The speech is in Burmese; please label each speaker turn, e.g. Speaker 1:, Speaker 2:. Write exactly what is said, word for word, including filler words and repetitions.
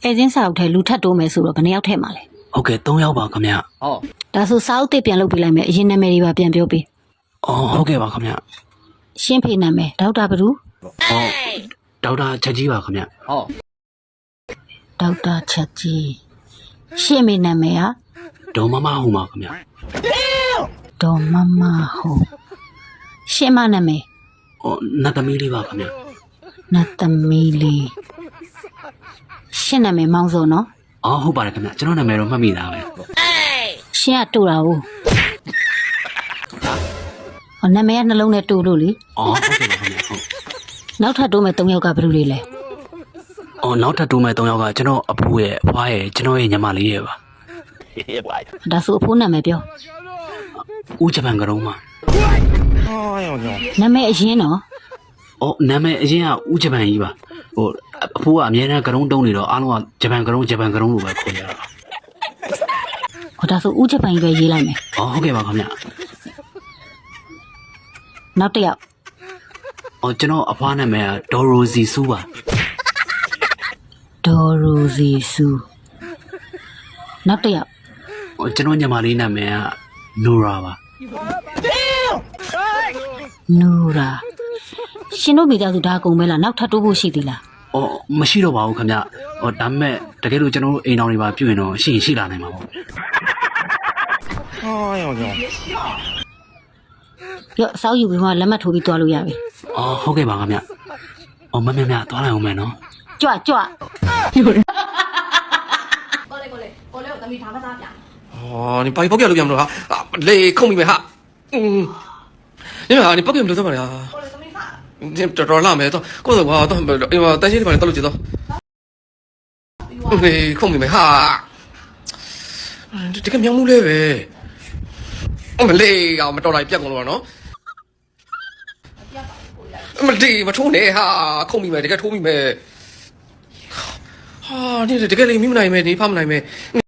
Speaker 1: အဲစင်းစာအုပ်ထဲလူထပ်တိုးမယ်ဆိုတော့ဘယ်နှယောက်ထဲမှာလဲ
Speaker 2: ဟုတ်ကဲ့သုံးယောက်ပါခင်ဗျာ
Speaker 3: ဟော
Speaker 1: ဒါဆိုစာအုပ်တစ်ပြန်လုပ်ပေးလိုက်မယ်အရင်နာမည်တွေပါပြန်ပြောပေး
Speaker 2: အော်ဟုတ်ကဲ့ပါခင်ဗျာ
Speaker 1: ရှင်းဖေနာမည်ဒေါက်တာဘဒူ
Speaker 2: အော်ဒေါက်တာချက်ကြီးပါခင်ဗျာ
Speaker 3: ဟော
Speaker 1: ဒေါက်တာချက်ကြီးရှင်းမေနာမည်ဟာ
Speaker 2: ဒေါ်မမဟုတ်ပါခင်ဗျာ
Speaker 1: ဒေါ်မမဟုတ်ရှင်းမနာမည်
Speaker 2: အော်နတ်သမီးလေးပါခင်ဗျာ
Speaker 1: နတ်သမီးလေးရှင်းနာမည်မောင်စောနော်
Speaker 2: အော်ဟုတ်ပါတယ်ခင်ဗျာကျွန်တော်နာမည်တော့မှတ်မိသားပဲ
Speaker 1: ရှင်းကတူတာဟုတ်ဟောနာမည်ကနှလုံးနဲ့တူလို့လေ
Speaker 2: အော်ဟုတ်ကဲ့ပါခင်ဗျာဟုတ်
Speaker 1: နောက်ထပ်တိုးမယ်၃ယောက်ကဘယ်လိုတွေလဲ
Speaker 2: အော်နောက်ထပ်တိုးမဲ့သုံးယောက်ကကျွန်တော်အဖိုးရဲ့အဖွားရဲ့ကျွန်တော်ရဲ့ညီမလေးရဲ့ပါ
Speaker 1: ဒါဆိုအဖိုးနာမည်ပြော
Speaker 2: ဦးဂျပန်ကရုံးမှာ
Speaker 1: နာမည်အရင်နော်
Speaker 2: အော်နာမည်အရင်ကဦးဂျပန်ကြီးပါဟိုအဖိုးကအမြဲတမ်းကရုံးတုံးနေတော့အားလုံးကဂျပန်ကရုံးဂျပန်ကရုံးလို့ပဲခေါ်ကြတာ
Speaker 1: ဟောဒါဆိုဦးဂျပန်ကြီးပဲရေးလိုက်မယ်
Speaker 2: အော်ဟုတ်ကဲ့ပါခင်ဗျာ
Speaker 1: နောက်တစ်ယောက်
Speaker 2: အော်ကျွန်တော်အဖွားနာမည်ကဒေါ်ရိုစီစူးပါ
Speaker 1: ဒေါ်ရိုစီဆူနောက်တစ်ယောက်
Speaker 2: အော်ကျွန်တော်ညီမလေးနာမည်ကနိုရာပါ
Speaker 1: နူရာရှင်တို့မိသားစုဒါအကုန်ပဲလားနောက်ထပ်တိုးဖို့ရှိသေးလား
Speaker 2: အော်မရှိတော့ပါဘူးခင်ဗျ။အော်ဒါပေမဲ့တကယ်လို့ကျွန်တော်တို့အိမ်တော်တွေပါပြုရင်တော့ရှိရင်ရှိလာနိုင်မှာပေါ့
Speaker 1: ပြောအစောက်ယူပြီးမှလက်မှတ်ထိုးပြီးသွားလို့ရပြီ
Speaker 2: ။အော်ဟုတ်ကဲ့ပါခင်ဗျ။အော်မမမသွားလိုက်အောင်မယ်နော်
Speaker 1: ကြွကြွ
Speaker 4: 过来过来，过来，我等你谈个啥呀？
Speaker 3: 哦，你把你包给路边了哈，啊，累空明白哈，嗯，你们啊，你包给路怎么了？
Speaker 4: 过来等你啥？
Speaker 3: 你这这拉没到，过头话到不，哎呀，担心你把你到路接到，累空明白哈，这这个苗木嘞呗，我们累呀，我们到来别讲了喏。မဒီမထုံးနေဟာခုံမိမယ်တကယ်ထိုးမိမယ်ဟာဒီတကယ်လေးမိမနိုင်မယ်ဒီဖမနိုင်မယ်